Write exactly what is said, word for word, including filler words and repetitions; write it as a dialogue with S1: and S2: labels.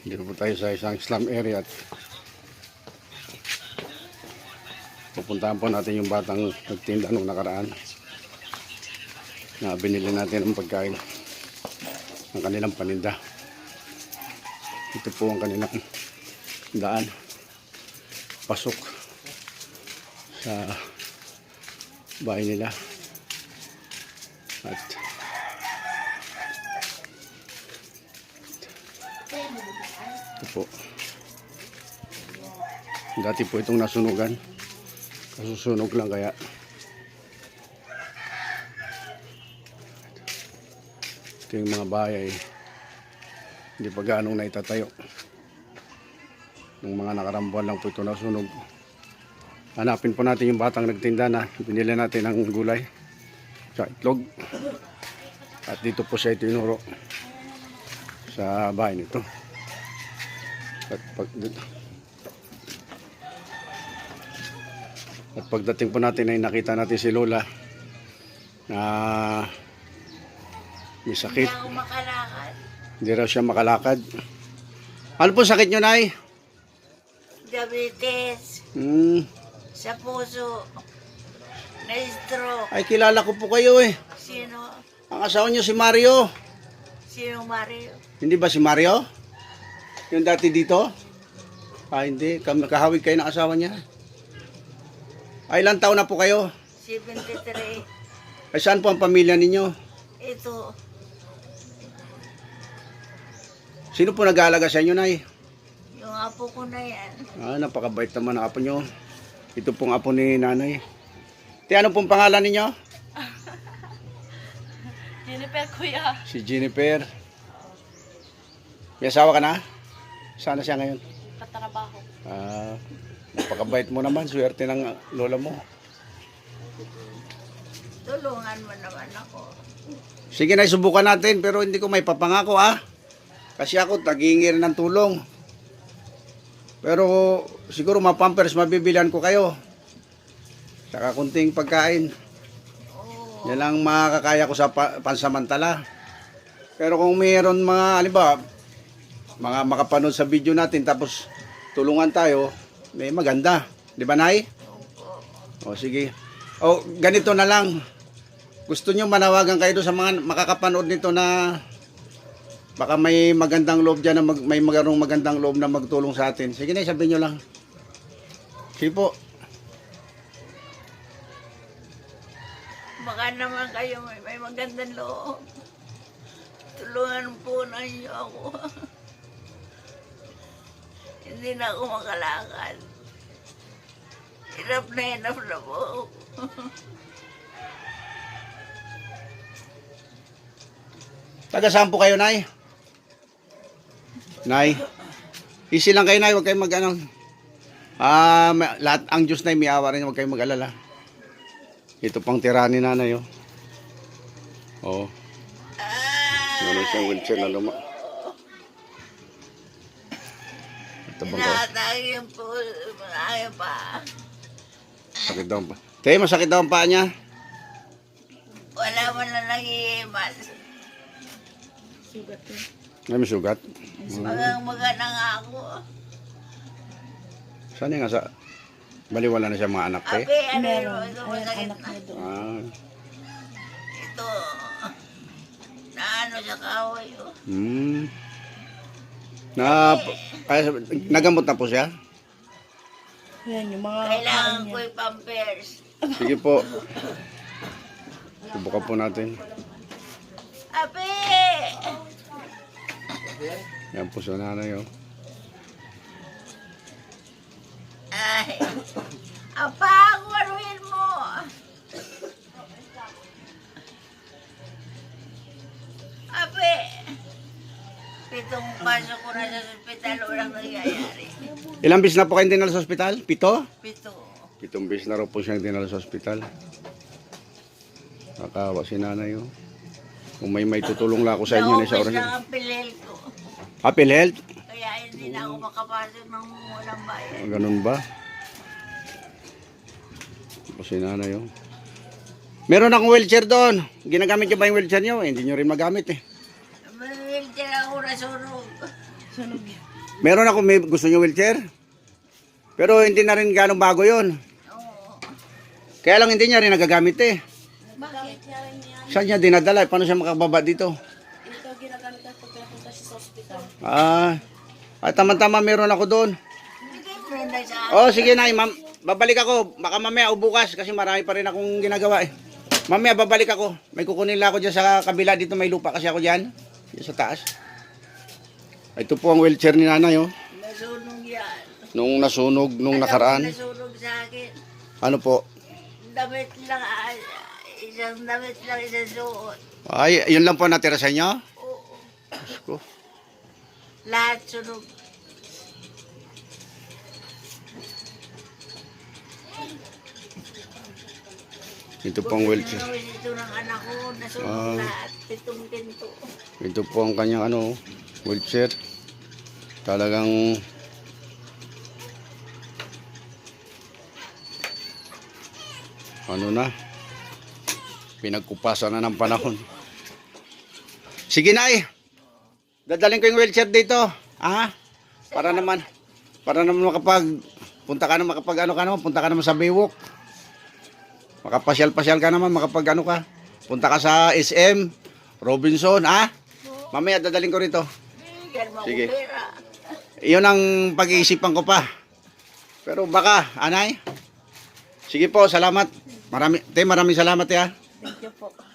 S1: Dito po tayo sa isang slum area at pupuntahan po natin yung batang nagtinda nung nakaraan na binili natin ang pagkain ng kanilang paninda. Ito po ang kanilang daan pasok sa bahay nila at ito po, dati po itong nasunugan, kasusunog lang kaya ito yung mga bahay ay hindi pa gaanong naitatayo. Nung mga nakarambuan lang po ito nasunog. Hanapin po natin yung batang nagtinda na binili natin ng gulay sa itlog at dito po siya itinuro sa bahay nito. At, pag, at pagdating po natin ay nakita natin si Lola na may sakit.
S2: Hindi ako makalakad.
S1: Hindi raw siya makalakad. Ano po sakit nyo, Nay?
S2: Diabetes.
S1: Hmm.
S2: Sa puso. Na-stroke.
S1: Ay, kilala ko po kayo eh.
S2: Sino?
S1: Ang asawa nyo si Mario.
S2: Sino Mario?
S1: Hindi ba si Mario? Yung dati dito? Ah, hindi. Kam- Kahawig kayo ng asawa niya. Ay, ilang taon na po kayo?
S2: seventy-three.
S1: Ay, saan po ang pamilya ninyo?
S2: Ito.
S1: Sino po nag-aalaga sa inyo, Nay?
S2: Yung apo ko na yan.
S1: Ah, napakabait naman ang apo nyo. Ito pong apo ni Nanay. Ti, ano pong pangalan ninyo?
S2: Jennifer, kuya.
S1: Si Jennifer. May asawa ka na? Sana siya ngayon?
S2: Katrabaho.
S1: Ah, napakabait mo naman. Swerte ng lola mo.
S2: Tulungan mo naman ako.
S1: Sige na, subukan natin. Pero hindi ko may papangako, ah. Kasi ako, tag-iingi rin ng tulong. Pero siguro ma-pampers, mabibilihan ko kayo. Saka kunting pagkain.
S2: Oo.
S1: Yan lang makakaya ko sa pa- pansamantala. Pero kung mayroon mga, halimbawa, mga makapanood sa video natin, tapos tulungan tayo, may maganda. Di ba, Nay? O, sige. O, ganito na lang. Gusto nyo manawagan kayo doon sa mga makakapanood nito na baka may magandang loob dyan, na mag, may magandang magandang loob na magtulong sa atin. Sige na, sabihin nyo lang. Sige po.
S2: Baka naman kayo may, may magandang loob. Tulungan po na niyo ako. Hindi na ako makalakad. Hirap na hirap na po ako.
S1: Taga saan po kayo, Nay? Nay? Easy lang kayo, Nay. Huwag kayong mag-ano. Ah, may- lahat ang Diyos, Nay, may awa rin. Huwag kayong mag-alala. Ito pang tira ni Nanay, oh. Oo. Meron siyang wheelchair na luma. Ito bang ko?
S2: Tinatagin po ayaw pa.
S1: Sakit daw ang pa. Tayo, masakit daw ang paa niya.
S2: Wala mo na nag-iimas.
S1: Ay, may sugat.
S2: Magang maga na nga ako.
S1: Saan nga sa... Baliwala na siya mga anak, eh.
S2: Ape, ano yun? Ito masakit na.
S1: Ah.
S2: Ito. Naano sa kaway. Oh.
S1: Hmm. Na... Ay, nagamot na po siya?
S3: Yan, yung mga
S2: Kailangan ko yung pampers.
S1: Sige po. Subukan po natin.
S2: Ape!
S1: Yan po sa nanay, oh.
S2: Ay. Apa, kuwaruhin mo. Ape. Pitong pasok ko na sa ospital, walang nangyayari.
S1: Ilang bis na po kayo dinala sa ospital? Pito?
S2: Pito.
S1: Pitong bis na raw po siyang dinala sa ospital. Nakawa si nanay, oh. Kung may may tutulong lang ako sa inyo na sa
S2: Naubos
S1: oras.
S2: lang ang pilel ko.
S1: Apple Health?
S2: Kaya hindi na ako makapasok ng walang bayan.
S1: Ah, ganun ba? Ito si nanay, oh. Meron akong wheelchair doon. Ginagamit nyo ba yung wheelchair nyo? Eh, hindi nyo rin magamit, eh.
S2: May wheelchair ako nasunog.
S3: sunog yan.
S1: Meron ako, may gusto niyo wheelchair? Pero hindi na rin ganong bago yon.
S2: Oo.
S1: Kaya lang hindi niya rin nagagamit eh.
S3: Bakit? Yan, yan.
S1: Saan niya dinadala? Paano siya makababa dito?
S3: Ito ginagamit ang pagkapunta siya sa hospital.
S1: Ah, ay tama-tama meron ako doon.
S2: Sige, friend ay sa
S1: Oh, sige na, ma'am. Babalik ako. Baka mamaya o bukas kasi marami pa rin akong ginagawa eh. Mamaya babalik ako. May kukunin lang ako dyan sa kabila. Dito may lupa kasi ako dyan. Dyan sa taas. Ito po ang wheelchair ni nanay oh.
S2: nasunog yan.
S1: Nung nasunog, nung
S2: Alam mo,
S1: nakaraan.
S2: Nasunog sa akin.
S1: Ano po?
S2: Damit lang, ah, isang damit lang isang suot.
S1: Ay, yun lang po natira sa inyo?
S2: Oo.
S1: Diyos ko.
S2: Lahat sunog.
S1: Ito po ang wheelchair.
S2: Pinawin ito ng anak ko, nasunog
S1: Ah.
S2: lahat. Pitong pinto.
S1: Ito po ang kanyang ano, wheelchair. Talagang ano na, pinagkupasan na ng panahon. Sige na eh. Dadalhin ko yung wheelchair dito. Ah, para naman, para naman makapag, punta ka naman, makapag ano ka naman, punta ka naman sa Baywalk. Makapasyal-pasyal ka naman, makapag ano ka. Punta ka sa S M, Robinson, ah. Mamaya dadalhin ko rito.
S2: Bigyan mo
S1: Sige.
S2: ako pera.
S1: Iyon ang pag-iisipan ko pa. Pero baka, anay. Sige po, salamat. Marami, te, maraming salamat, ya.
S3: Thank you po.